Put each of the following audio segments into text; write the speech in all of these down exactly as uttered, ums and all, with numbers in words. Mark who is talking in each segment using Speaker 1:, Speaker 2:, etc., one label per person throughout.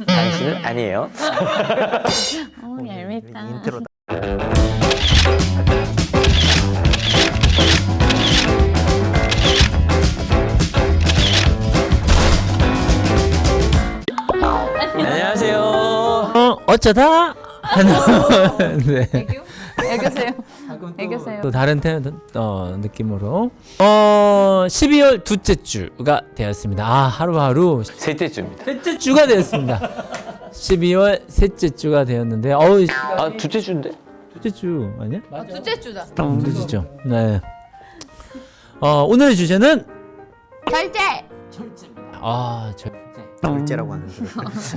Speaker 1: 당신은 아니에요.
Speaker 2: 어, 얄밉다.
Speaker 3: 인트로다.
Speaker 1: 안녕하세요.
Speaker 4: 어, 어쩌다 하는 네.
Speaker 2: 애교세요. 애교세요.
Speaker 4: 또 다른 테, 어, 느낌으로 어 십이월 둘째 주가 되었습니다. 아 하루하루
Speaker 1: 셋째 주입니다.
Speaker 4: 셋째 주가 되었습니다. 십이월 셋째 주가 되었는데 어우
Speaker 1: 아 둘째 주인데?
Speaker 4: 둘째 주 아니야?
Speaker 2: 아, 둘째 주다.
Speaker 4: 둘째 주죠. 네. 어 오늘의 주제는
Speaker 2: 결제.
Speaker 4: 아 저,
Speaker 3: 결제라고 하는 줄.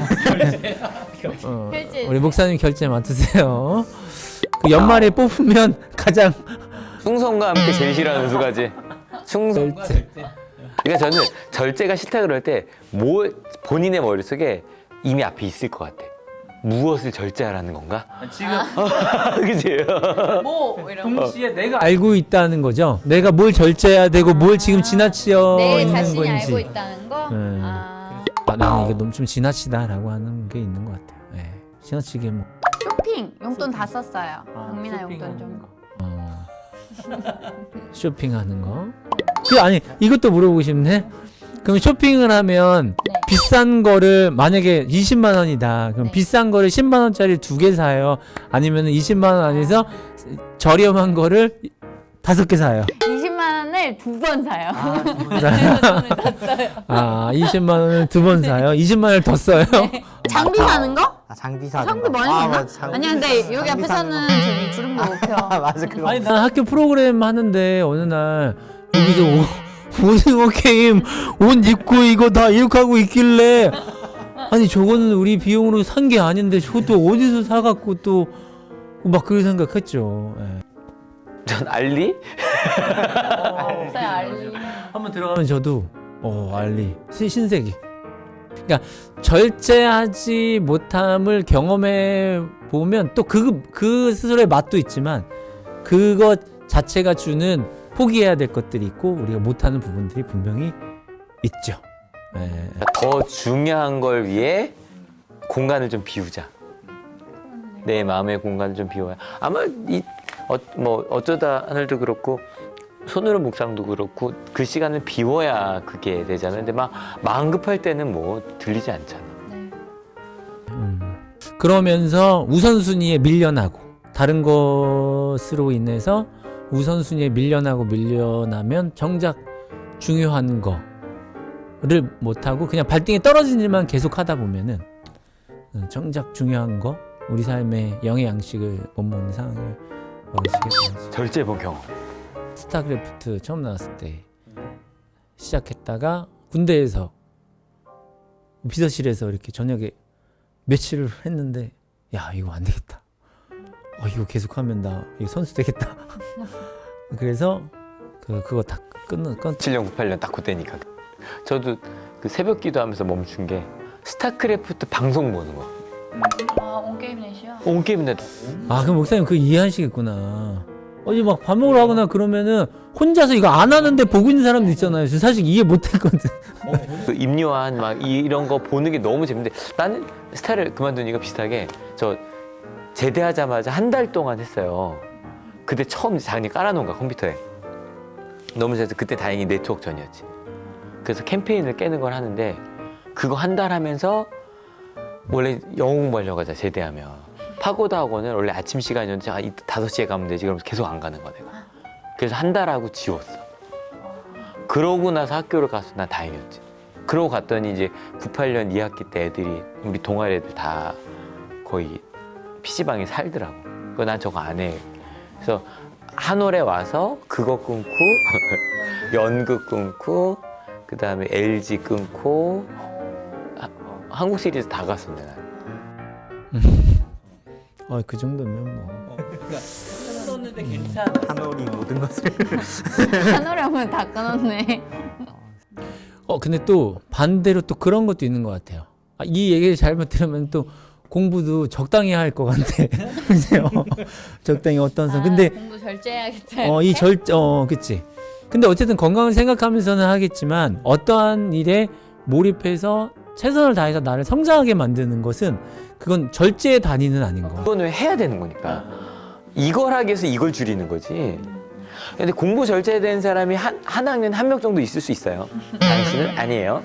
Speaker 4: 어,
Speaker 2: 결제.
Speaker 4: 우리 목사님 결제 맡으세요. 그 연말에 뽑으면 가장
Speaker 1: 충성과 함께 제일 싫어하는 두 가지. 충성.
Speaker 4: 결제.
Speaker 1: 그러니까 저는 절제가 싫다 그럴 때 뭐 본인의 머릿속에 이미 앞에 있을 것 같아. 무엇을 절제하라는 건가?
Speaker 4: 지금
Speaker 1: 그치?
Speaker 2: 뭐 이런 거.
Speaker 4: 동시에 내가 알고 있다는 거죠. 내가 뭘 절제해야 되고 뭘 지금 지나치어
Speaker 2: 내
Speaker 4: 있는
Speaker 2: 자신이
Speaker 4: 건지.
Speaker 2: 알고 있다는 거.
Speaker 4: 네.
Speaker 2: 아.
Speaker 4: 아, 나는 이게 너무 좀 지나치다라고 하는 게 있는 것 같아요. 네. 지나치게 뭐.
Speaker 2: 쇼핑 용돈 다 썼어요.
Speaker 4: 아,
Speaker 2: 박민아
Speaker 4: 쇼핑하는
Speaker 2: 용돈 좀.
Speaker 4: 거. 어. 쇼핑하는 거. 그 아니 이것도 물어보고 싶네. 그럼 쇼핑을 하면
Speaker 2: 네.
Speaker 4: 비싼 거를 만약에 이십만 원이다. 그럼
Speaker 2: 네.
Speaker 4: 비싼 거를 십만 원짜리 두 개 사요. 아니면 이십만 원 안에서 저렴한 거를 다섯 개 사요.
Speaker 2: 이십만 원을 두 번 사요.
Speaker 4: 아, 이십만 원을 두 번 사요. 이십만 원을 더 써요.
Speaker 2: 장비 사는 거?
Speaker 3: 아 장비 사는
Speaker 2: 장비
Speaker 3: 거.
Speaker 2: 많이
Speaker 3: 아,
Speaker 2: 사나?
Speaker 3: 맞아, 장비
Speaker 2: 아니야 근데 여기
Speaker 3: 장비
Speaker 2: 앞에서는
Speaker 3: 사는
Speaker 2: 저기 주름도 못 펴.
Speaker 3: 거. 아 맞아 그거.
Speaker 4: 아니 난 학교 프로그램 하는데 어느 날 여기서 오, 오징어 게임 옷 입고 이거 다 이렇게 하고 있길래 아니 저거는 우리 비용으로 산 게 아닌데 저것도 어디서 사갖고 또 막 그런 생각했죠. 예.
Speaker 1: 전 알리?
Speaker 2: 없어요 알리.
Speaker 4: 한번 들어가면 저도 어 알리 신, 신세계. 그러니까 절제하지 못함을 경험해 보면 또 그 그 스스로의 맛도 있지만 그것 자체가 주는 포기해야 될 것들이 있고 우리가 못하는 부분들이 분명히 있죠. 예.
Speaker 1: 더 중요한 걸 위해 공간을 좀 비우자. 내 마음의 공간을 좀 비워야. 아마 이 어, 뭐 어쩌다 하늘도 그렇고 손으로 묵상도 그렇고 그 시간을 비워야 그게 되잖아요. 근데 막 마음 급할 때는 뭐 들리지 않잖아.
Speaker 2: 네.
Speaker 4: 음. 그러면서 우선순위에 밀려나고 다른 것으로 인해서 우선순위에 밀려나고 밀려나면 정작 중요한 거를 못하고 그냥 발등에 떨어진 일만 계속 하다 보면은 정작 중요한 거 우리 삶의 영의 양식을 못 먹는 상황이 벌어지게 되죠.
Speaker 1: 절제본 경험.
Speaker 4: 스타크래프트 처음 나왔을 때 시작했다가 군대에서 비서실에서 이렇게 저녁에 며칠을 했는데 야 이거 안 되겠다. 어 이거 계속하면 나 이거 선수 되겠다. 그래서 그 그거 다 끊는 끊.
Speaker 1: 칠 년, 구십팔 년 딱 그때니까. 저도 그 새벽 기도하면서 멈춘 게 스타크래프트 방송 보는 거.
Speaker 2: 아 온게임 넷이요?
Speaker 1: 온 게임인데
Speaker 4: 아 그럼 목사님 그 이해하시겠구나. 어제 막 밥 먹으러 가거나 그러면은 혼자서 이거 안 하는데 보고 있는 사람도 있잖아요. 저 사실 이해 못했거든.
Speaker 1: 그 임요한 막 이- 이런 거 보는 게 너무 재밌는데 나는 스타를 그만두니까 비슷하게 저 제대하자마자 한 달 동안 했어요. 그때 처음 장님 깔아놓은 거야 컴퓨터에. 너무 재밌어. 그때 다행히 네트워크 전이었지. 그래서 캠페인을 깨는 걸 하는데 그거 한 달 하면서 원래 영어 공부하려고 하자 제대하면 파고다 학원은 원래 아침 시간이었는데 아, 이따 다섯 시에 가면 되지 그러면서 계속 안 가는 거야 내가. 그래서 한 달 하고 지웠어. 그러고 나서 학교를 가서 난 다행이었지. 그러고 갔더니 이제 구십팔 년 이 학기 때 애들이 우리 동아리 애들 다 거의 피시방에 살더라고. 그거 난 저거 안 해. 그래서 한올에 와서 그거 끊고 연극 끊고 그 다음에 엘지 끊고 하, 한국 시리즈 다 갔었네 난.
Speaker 4: 어그 정도면 뭐. 썼는데 괜찮아.
Speaker 3: 한올이 모든 것을.
Speaker 2: 하노라면 다 끊었네.
Speaker 4: 어 근데 또 반대로 또 그런 것도 있는 것 같아요. 아, 이 얘기를 잘못 들으면 또 공부도 적당히 할 것 같아. 그죠? 적당히 어떤 선. 근데
Speaker 2: 공부 절제해야겠다.
Speaker 4: 어 이 절 어 그치. 근데 어쨌든 건강을 생각하면서는 하겠지만 어떠한 일에 몰입해서 최선을 다해서 나를 성장하게 만드는 것은 그건 절제의 단위는 아닌 거.
Speaker 1: 그거는 해야 되는 거니까. 이걸 하기 위해서 이걸 줄이는 거지. 근데 공부 절제된 사람이 한, 한 학년 한 명 정도 있을 수 있어요. 당신은 아니에요.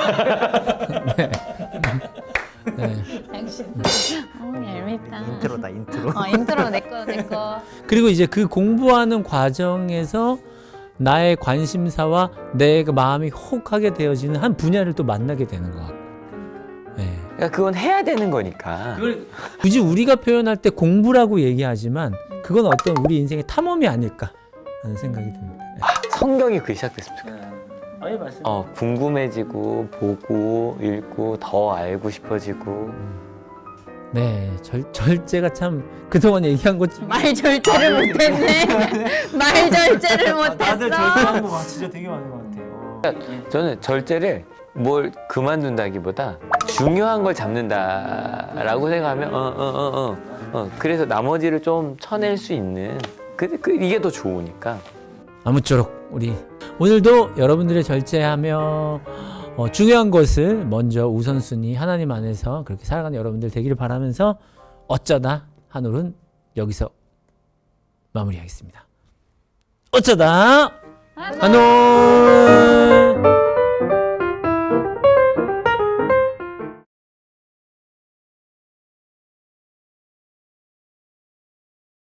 Speaker 4: 네.
Speaker 2: 당신. 어, 얄밉다.
Speaker 3: 인트로다 인트로.
Speaker 2: 어, 인트로 내꺼 내꺼.
Speaker 4: 그리고 이제 그 공부하는 과정에서 나의 관심사와 내 그 마음이 혹하게 되어지는 한 분야를 또 만나게 되는 것 같고. 네.
Speaker 1: 그러니까 그건 해야 되는 거니까.
Speaker 4: 굳이 우리가 표현할 때 공부라고 얘기하지만 그건 어떤 우리 인생의 탐험이 아닐까 하는 생각이 듭니다. 네.
Speaker 1: 성경이 그게 시작됐으면 좋겠다.
Speaker 4: 아예 말씀.
Speaker 1: 어, 궁금해지고 보고 읽고 더 알고 싶어지고.
Speaker 4: 네, 절, 절제가 참 그동안 얘기한 것 중에
Speaker 2: 말 절제를 못했네. 말 절제를 못했어.
Speaker 3: 다들 절제한 거 진짜 되게 많은 것 같아요.
Speaker 1: 저는 절제를 뭘 그만둔다기보다 중요한 걸 잡는다라고 생각하면 어 어 어 어 어, 그래서 나머지를 좀 쳐낼 수 있는 그, 그 이게 더 좋으니까.
Speaker 4: 아무쪼록 우리 오늘도 여러분들의 절제하며 어, 중요한 것을 먼저 우선순위 하나님 안에서 그렇게 살아가는 여러분들 되기를 바라면서 어쩌다 한올은 여기서 마무리하겠습니다. 어쩌다 한올.